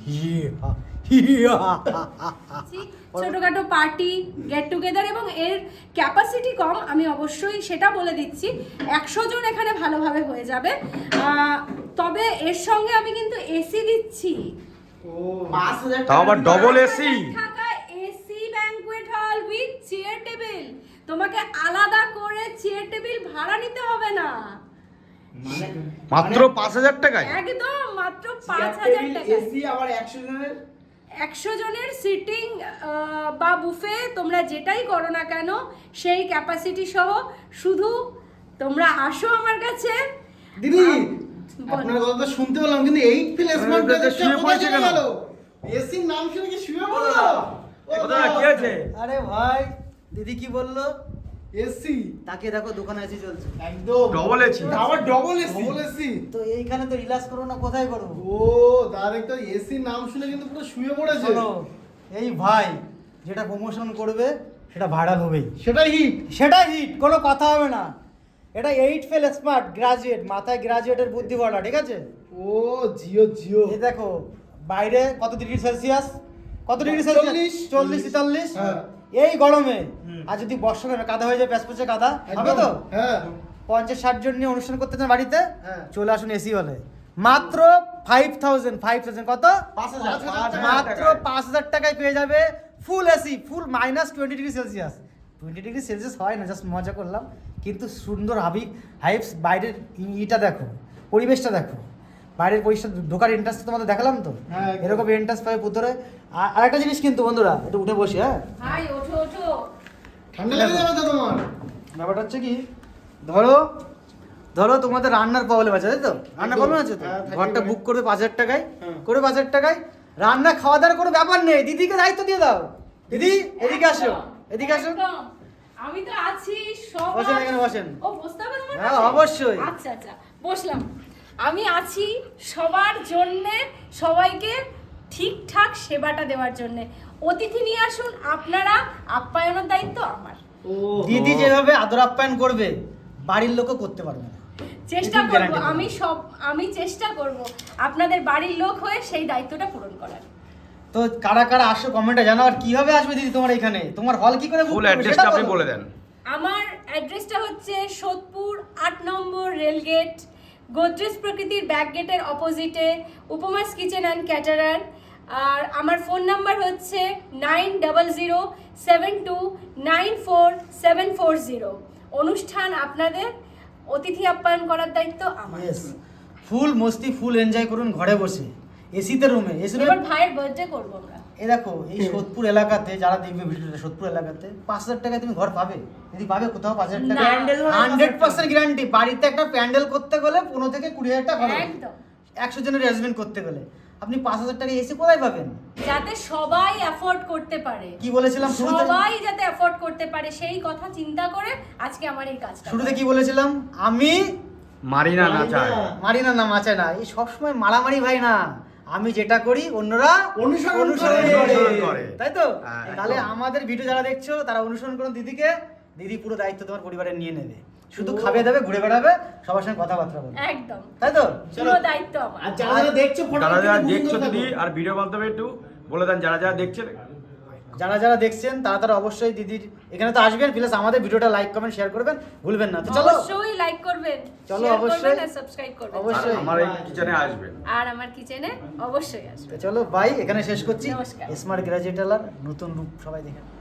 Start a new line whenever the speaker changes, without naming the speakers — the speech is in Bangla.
ছোটখাটো পার্টি গেট টুগেদার, এবং এর ক্যাপাসিটি কম, আমি অবশ্যই সেটা বলে দিচ্ছি। 100 জন এখানে ভালোভাবে হয়ে যাবে। তবে এর সঙ্গে আমি কিন্তু এসি দিচ্ছি।
তাও আবার double AC.
AC banquet hall with chair table. তোমাকে আলাদা করে চেয়ার টেবিল ভাড়া নিতে হবে না,
মাত্র 5000 টাকায়।
একদম মাত্র 5000 টাকা।
এসি আবার
100 জনের সিটিং বা বুফে তোমরা যেটাই করো না কেন সেই ক্যাপাসিটি সহ। শুধু তোমরা আসো আমার কাছে।
দিদি আপনার কথা তো শুনতে পেলাম, কিন্তু 8 ফিল স্মার্ট
শুয়ে পড়েছে কেন?
এসির নাম শুনে কি শুয়ে পড়লো?
দাদা কি আছে?
আরে ভাই দিদি কি বললো?
এসি
তাকে দেখো দোকানে এসি চলছে
একদম
ডবল এসি।
আবার ডবল এসি।
তো এইখানে তো রিল্যাক্স করবো না, কোথায় করবো?
ও ডাইরেক্ট এসির নাম শুনে কিন্তু পুরো শুয়ে পড়েছে।
শোনো, এই ভাই যেটা প্রমোশন করবে সেটা ভাইরাল হবেই,
সেটাই হিট।
সেটা হিট, কোনো কথা হবে না। এটা 8 ফেল স্মার্ট গ্রাজুয়েট, মাথায় গ্রাজুয়েটের বুদ্ধি বলা, ঠিক আছে?
ও জিও
এই দেখো বাইরে কত ডিগ্রি সেলসিয়াস, কত ডিগ্রি সেলসিয়াস? 40-43।
হ্যাঁ।
এই গরমে আর যদি বর্ষাকালে কাদা হয়ে যায়, প্যাচপ্যাচে কাদা হবে তো?
হ্যাঁ
50-60 জন নিয়ে অনুষ্ঠান করতে চান বাড়িতে,
হ্যাঁ।
চলে আসুন এসি হলে। মাত্র 5000 কত?
5000
মাত্র 5000 টাকায় পেয়ে যাবে full AC, full -20 degree Celsius. 20 degree Celsius হয় না, জাস্ট মজা করলাম। কিন্তু সুন্দর হাইপস, বাইরের ইটা দেখো, পরিবেশটা দেখো, বাইরের পরিবেশটা, ঢোকার এন্ট্রান্স তোমাদের দেখালাম তো,
হ্যাঁ,
এরকম এন্ট্রান্স পাবে ভিতরে। আর একটা জিনিস কিন্তু বন্ধুরা, একটু উঠে বসি, হ্যাঁ
ভাই ওঠো ওঠো।
ঠান্ডা লেগে যাবে তো তোমার।
ব্যাপারটা হচ্ছে কি, ধরো তোমাদের রান্নার প্রবলেম আছে, তাই তো? রান্নার প্রবলেম আছে তো,
হ্যাঁ, থাকতেই
ঘরটা
পারে।
বুক করবে 5000 টাকায়,
হ্যাঁ।
করে 5000 টাকায় রান্না খাওয়া দাওয়ার কোনো ব্যাপার নেই, দিদিকে দায়িত্ব দিয়ে দাও। দিদি এদিকে আসো, এদিকে আসো।
একদম। আমি তো আছি সব।
বসেন, এখানে বসেন।
ও বসতে হবে তোমার
হ্যাঁ,
কাছে?
অবশ্যই।
আচ্ছা আচ্ছা, বসলাম। আমি আছি সবার জন্য, সবাইকে ঠিকঠাক সেবাটা দেওয়ার জন্য। অতিথি নিয়ে আসুন আপনারা, আপ্যায়নের দায়িত্ব আমার।
ও
দিদি যেভাবে আদর আপ্যায়ন করবে বাড়ির লোকও করতে পারবে না।
চেষ্টা
এটুকু
করব,
guarantee দেবো।
আমি চেষ্টা করব আপনাদের বাড়ির লোক হয়ে সেই দায়িত্বটা পূরণ করার।
তো কারা কারা আসো কমেন্টে জানাও। আর কিভাবে আসবে দিদি তোমার এখানে, তোমার হল কি করে book
ফুল
করবে
অ্যাড্রেসটা
সেটা
আপনি
বলো।
বলে দেন।
আমার অ্যাড্রেসটা হচ্ছে সোদপুর 8 নম্বর রেলগেট, গোদরেজ প্রকৃতির ব্যাক গেটের অপোজিটে, উপমাস কিচেন অ্যান্ড ক্যাটারার। আর আমার ফোন নাম্বার হচ্ছে 907272944740। অনুষ্ঠান আপনাদের, অতিথি আপ্যায়ন করার দায়িত্ব আমার।
Yes, ফুল মস্তি, ফুল এনজয় করুন ঘরে বসে, এসিতে রুমে। এসি
এবার ভাইয়ের বার্থডে করবো আমরা।
এই দেখো, এই সোদপুর এলাকাতে যারা দেখবে ভিডিওটা, সোদপুর এলাকাতে 5000 টাকায় তুমি ঘর পাবে। যদি পাবে কোথাও 5000 টাকা,
না।
100% গ্যারান্টি। বাড়িতে একটা প্যান্ডেল করতে গেলে 15 থেকে 20,000 টাকা খরচ,
একদম।
100 জনের অ্যারেঞ্জমেন্ট করতে গেলে আপনি 5000 টাকা এসি কোথায় পাবেন?
যাতে সবাই অ্যাফোর্ড করতে পারে,
কি বলেছিলাম শুরুতে?
সবাই যাতে অ্যাফোর্ড করতে পারে সেই কথা চিন্তা করে আজকে আমার এই কাজটা।
শুরুতে কি বলেছিলাম? আমি
মারি না নাচায়।
মারি না, না মাচায় না। এই সবসময় মারামারি ভাই না, আমি যেটা করি অন্যরা
অনুসরণ
করে।
তাই তো?
হ্যাঁ,
তাহলে
একদম।
আমাদের ভিডিও যারা দেখছো তারা অনুসরণ করুন দিদিকে। দিদি পুরো দায়িত্ব তোমার পরিবারের নিয়ে নেবে, শুধু খাবে দেবে, ঘুরে বেড়াবে, সবার সঙ্গে কথাবার্তা বলবে,
একদম
তাই তো?
পুরো দায়িত্ব আমার।
আর যারা যারা দেখছো
যারা যারা
ফটোটা
দেখছো দিদি, আর ভিডিও বলতে হবে একটু বলে দেন যারা যারা দেখছেন।
যারা যারা দেখছেন তারা তারা অবশ্যই দিদির এখানে তো আসবেন, প্লাস আমাদের ভিডিওটা লাইক কমেন্ট শেয়ার করবেন, ভুলবেন না। তো চলো
অবশ্যই লাইক করবেন,
চলো,
share
অবশ্যই।
করবেন আর সাবস্ক্রাইব করবেন।
আর
অবশ্যই।
আমার এই কিচেনে আসবেন।
আর আমার কিচেনে অবশ্যই আসবে।
তো চলো বাই, এখানে শেষ করছি।
নমস্কার।
স্মার্ট গ্রাজুয়েট আলার নতুন রূপ সবাই দেখেন।